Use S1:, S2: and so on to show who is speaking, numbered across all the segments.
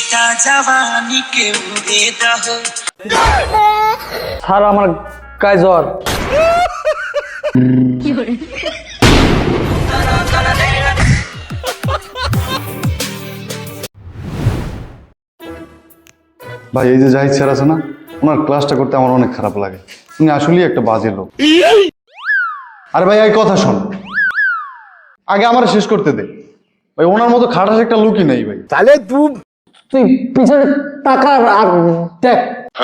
S1: ঝিটা জওয়ানি কে উড়ে দাও।
S2: স্যার আমার গায়ে জ্বর।
S3: ভাই এই যে জাহিদ স্যার আছে না, ওনার ক্লাসটা করতে আমার অনেক খারাপ লাগে। উনি আসলেই একটা বাজে লোক। আরে ভাই এই কথা শোন, আগে আমার শেষ করতে দে ভাই। ওনার মতো খাটাস একটা লোকই নেই ভাই।
S2: তাহলে তুই পিছনে তাকা আর দেখ।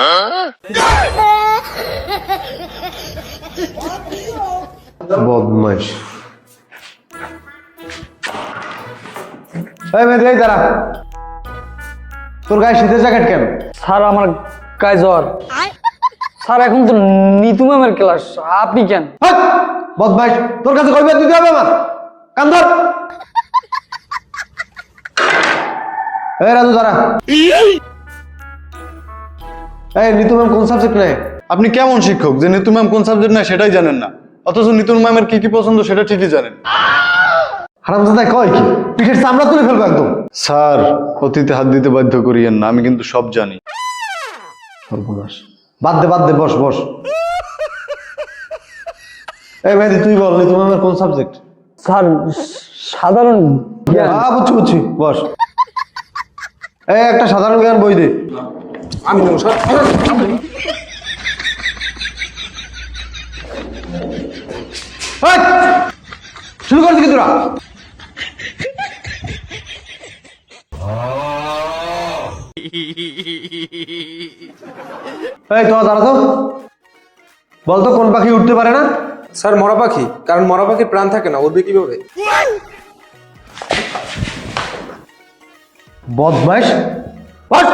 S4: বদমাইশ। এই মেয়ে এই দাঁড়া, তোর গায়ে শীতের জ্যাকেট কেন?
S2: স্যার আমার গায়ে জ্বর। স্যার এখন তো নিতু ম্যামের ক্লাস, আপনি কেন?
S4: হাট! বদমাইশ, তোর কাছে কইবে দিতে হবে আমার। কান ধর। এই রাজু দাঁড়া। এই নিতু ম্যাম কোন সাবজেক্ট নেয়?
S3: আপনি কেমন শিক্ষক যে নিতু ম্যাম কোন সাবজেক্ট নেয় সেটাই জানেন না, অথচ নিতু ম্যামের কি কি পছন্দ সেটা ঠিকই জানেন।
S4: হারামজাদায় কয় কি? পিঠের চামড়া তুলে ফেলবো একদম।
S3: স্যার অতীতে হাত দিতে বাধ্য করিয়েন না, আমি কিন্তু সব জানি।
S4: সর্বনাশ। বাদ দে, বস বস। এই মেহেদি তুই বল, নিতু ম্যামের কোন সাবজেক্ট?
S2: স্যার সাধারণ জ্ঞান।
S4: বুঝছি, বস। এই একটা সাধারণ জ্ঞান বই দে।
S2: আমি স্যার
S4: এই, শুরু করছি কি তোরা? এই তোরা দাঁড়া তো, বলতো কোন পাখি উঠতে পারে না?
S5: স্যার মরা পাখি, কারণ মরা পাখির প্রাণ থাকে না, উঠবে কিভাবে?
S4: বদমাইশ। বস।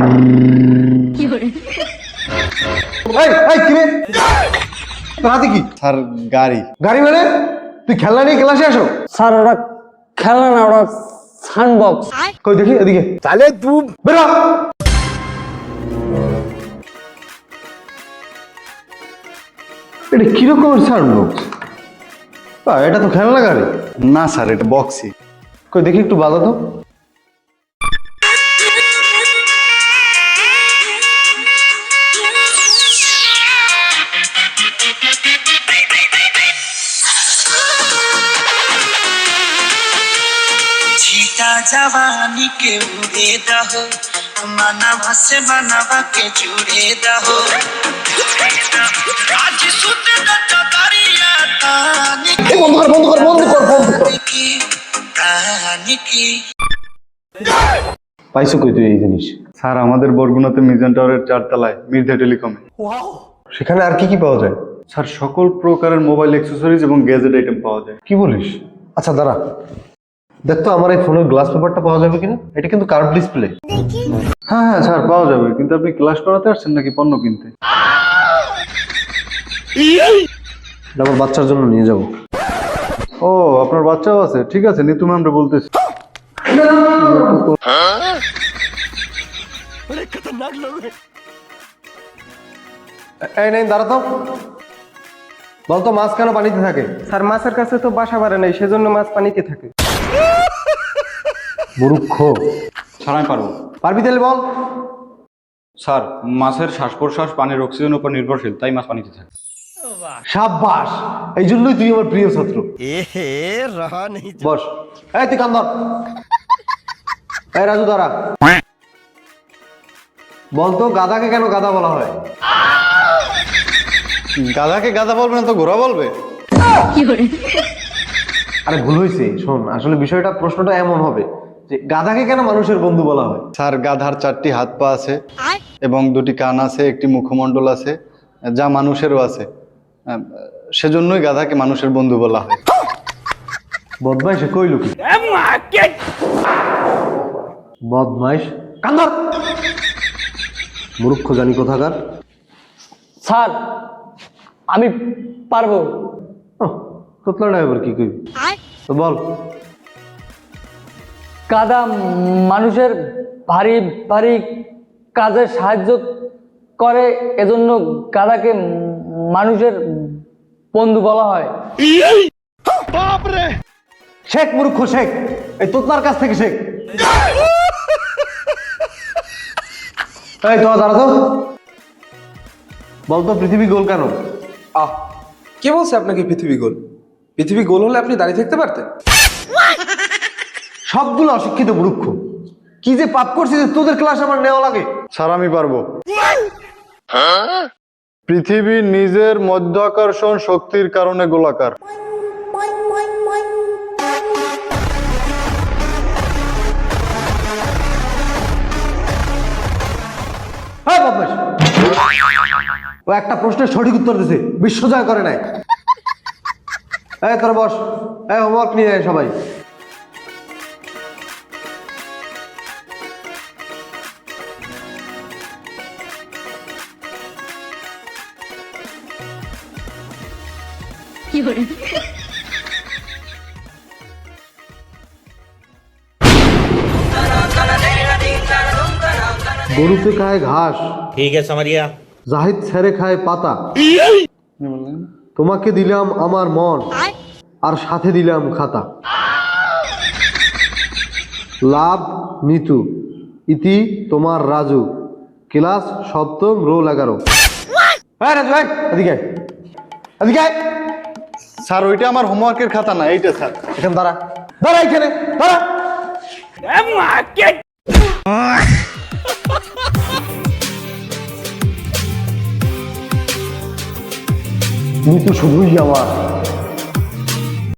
S4: এই কি রে, তোর হাতে কি?
S3: স্যার গাড়ি।
S4: গাড়ি মানে? তুই খেলনা নিয়ে ক্লাসে আসো?
S2: স্যার ওরা খেলনা না, ওরা সাউন্ডবক্স।
S4: কই দেখি এদিকে।
S5: তাহলে তুই
S4: বেরো। এটা কিরকমের সাউন্ড বক্স? এটা তো খেলনা গাড়ি।
S3: না স্যার এটা বক্সি।
S4: কই দেখি একটু বাজা তো।
S1: ঝিটা জওয়ানি কে উড়ে দাও, মানাবা সে মানাবা কে জুড়ে দাও। আজ সুতে দাতা দাঁড়িয়া তানি কি তানি কি।
S4: পাইছো কই তুই এই জিনিস?
S3: স্যার আমাদের বরগুনাতে মিজান টাওয়ারের 4 তলায় মির্জা টেলিকমে।
S4: সেখানে আর কি কি পাওয়া যায়?
S3: স্যার সকল প্রকারের মোবাইল অ্যাক্সেসরিজ এবং গ্যাজেট আইটেম পাওয়া যায়।
S4: কি বলিস? আচ্ছা দাঁড়া, দেখ তো আমার এই ফোনের গ্লাস পেপারটা পাওয়া যাবে কিনা। এটা কিন্তু কার্ভ ডিসপ্লে।
S3: হ্যাঁ হ্যাঁ স্যার পাওয়া যাবে, কিন্তু আপনি ক্লাস করাতে আসছেন নাকি পণ্য কিনতে?
S4: এটা আমার বাচ্চার জন্য নিয়ে যাব।
S3: ও আপনার বাচ্চাও আছে, ঠিক আছে নিতু ম্যামরে বলতেছি।
S4: এই নেই দাঁড়া তো, বলতো মাছ কেন পানিতে থাকে?
S5: স্যার মাছের কাছে তো বাসা বাড়ে নাই, সেজন্য মাছ পানিতে থাকে।
S4: মূর্খ।
S6: স্যার আমি পারবো।
S4: পারবি তাহলে বল।
S6: স্যার মাছের শ্বাস প্রশ্বাস পানির অক্সিজেনের উপর নির্ভরশীল, তাই মাছ পানিতে থাকে।
S4: সাব্বাস, এই জন্যই তুই আমার প্রিয় ছাত্র। বস। এই তুই কান ধর। এই রাজু দাঁড়া, বলতো গাধাকে কেন গাধা বলা হয়?
S3: গাধাকে গাধা বলবে না তো ঘোড়া বলবে?
S4: আরে ভুল হয়েছে, শোন আসলে বিষয়টা প্রশ্নটা এমন হবে যে গাধাকে কেন মানুষের বন্ধু বলা হয়?
S3: স্যার গাধার 4টি হাত পা আছে এবং 2টি কান আছে, একটি মুখমণ্ডল আছে, যা মানুষেরও আছে। সেজন্যই গাধাকে মানুষের বন্ধু বলা হয়।
S4: বদমাইশ কইল কি? বদমাইশ কান্দর, মূর্খ জানি কোথাকার।
S2: স্যার আমি পারবো।
S4: তোতলা ড্রাইভার কি কইবি তো বল।
S2: গাধা মানুষের ভারী ভারী কাজে সাহায্য করে, এজন্য গাধাকে মানুষের বন্ধু বলা হয়।
S4: শেখ মূর্খ শেখ, এই তোতলার কাছ থেকে শেখ। এই তোরা দাঁড়া তো, বলতো পৃথিবী গোল কেন?
S5: আহ, কে বলছে আপনাকে পৃথিবী গোল? পৃথিবী গোল হলে আপনি দাঁড়িয়ে থাকতে পারতেন।
S4: সবগুলো অশিক্ষিত মূর্খ। কি যে পাপ করছিস যে তোদের ক্লাস আমার নেওয়া লাগে?
S3: স্যার আমি পারবো। পৃথিবী নিজের মধ্যাকর্ষণ শক্তির কারণে গোলাকার।
S4: হ্যাঁ বদমাশ, ও একটা প্রশ্নের সঠিক উত্তর দিছে, বিশ্ব জয় করে নাই। এই তোরা বস, এই হোমওয়ার্ক নিয়ে আয় সবাই। গরুতে খায় ঘাস,
S7: ठीक है समरिया।
S4: জাহিদ ছেড়ে খায় পাতা। তোমাকে দিলাম আমার মন, আর সাথে দিলাম খাতা। লাভ নিতু, ইতি তোমার রাজু, ক্লাস সপ্তম, রোল 11। হ্যাঁ রাজু ভাই, এদিকে আয়। এদিকে আয়।
S3: স্যার ওইটা আমার হোমওয়ার্কের খাতা না, এইটা স্যার।
S4: এখানে দাঁড়া, দাঁড়া এখানে দাঁড়া। নিতু শুধুই আমার।